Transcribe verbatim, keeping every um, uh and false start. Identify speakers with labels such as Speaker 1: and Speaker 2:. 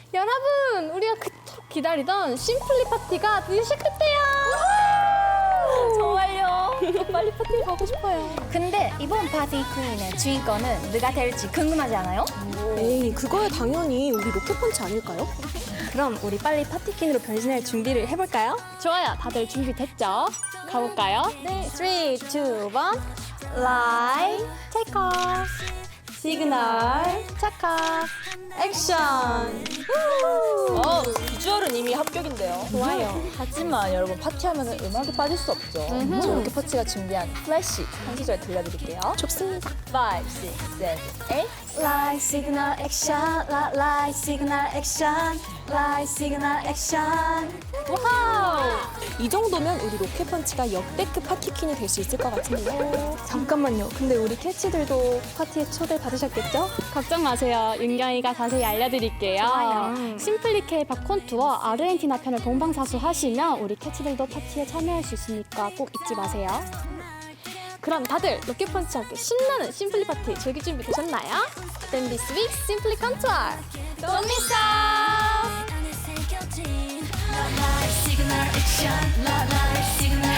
Speaker 1: 여러분, 우리가 그토록 기다리던 심플리 파티가 드디어 시작됐대요.
Speaker 2: 정말요?
Speaker 1: 빨리 파티 가고 싶어요.
Speaker 2: 근데 이번 파티 퀸의 주인공은 누가 될지 궁금하지 않아요?
Speaker 3: 에이, 그거야 당연히 우리 로켓펀치 아닐까요?
Speaker 2: 그럼 우리 빨리 파티 퀸으로 변신할 준비를 해볼까요?
Speaker 1: 좋아요. 다들 준비됐죠? 가볼까요?
Speaker 2: 네, 삼, 이, 일, 라이, 테이크 오프, 시그널, 체크, 액션.
Speaker 4: 어, 비주얼은 이미 합격인데요.
Speaker 1: 좋아요.
Speaker 4: 하지만 여러분 파티하면 음악이 빠질 수 없죠.
Speaker 1: 음흠.
Speaker 4: 저 이렇게 파티가 준비한 플래시 한 소절 들려드릴게요.
Speaker 3: 좋습니다.
Speaker 4: 오, 육, 칠, 팔.
Speaker 2: 라이 시그널 액션, 라, 라이 시그널 액션, 라이 시그널 액션.
Speaker 1: 와우!
Speaker 3: 이 정도면 우리 로켓펀치가 역대급 파티퀸이 될 수 있을 것 같은데요.
Speaker 2: 잠깐만요. 근데 우리 캐치들도 파티에 초대 받으셨겠죠?
Speaker 1: 걱정 마세요. 윤경이가 자세히 알려드릴게요.
Speaker 2: 좋아요.
Speaker 1: 심플리케 바콘 투어 아르헨티나 편을 동방사수 하시면 우리 캐치들도 파티에 참여할 수 있으니까 꼭 잊지 마세요. 그럼 다들 로켓펀치와 함께 신나는 심플리 파티 즐길 준비 되셨나요? Then this week Simply Come to our Don't miss out!
Speaker 5: signal action, la la signal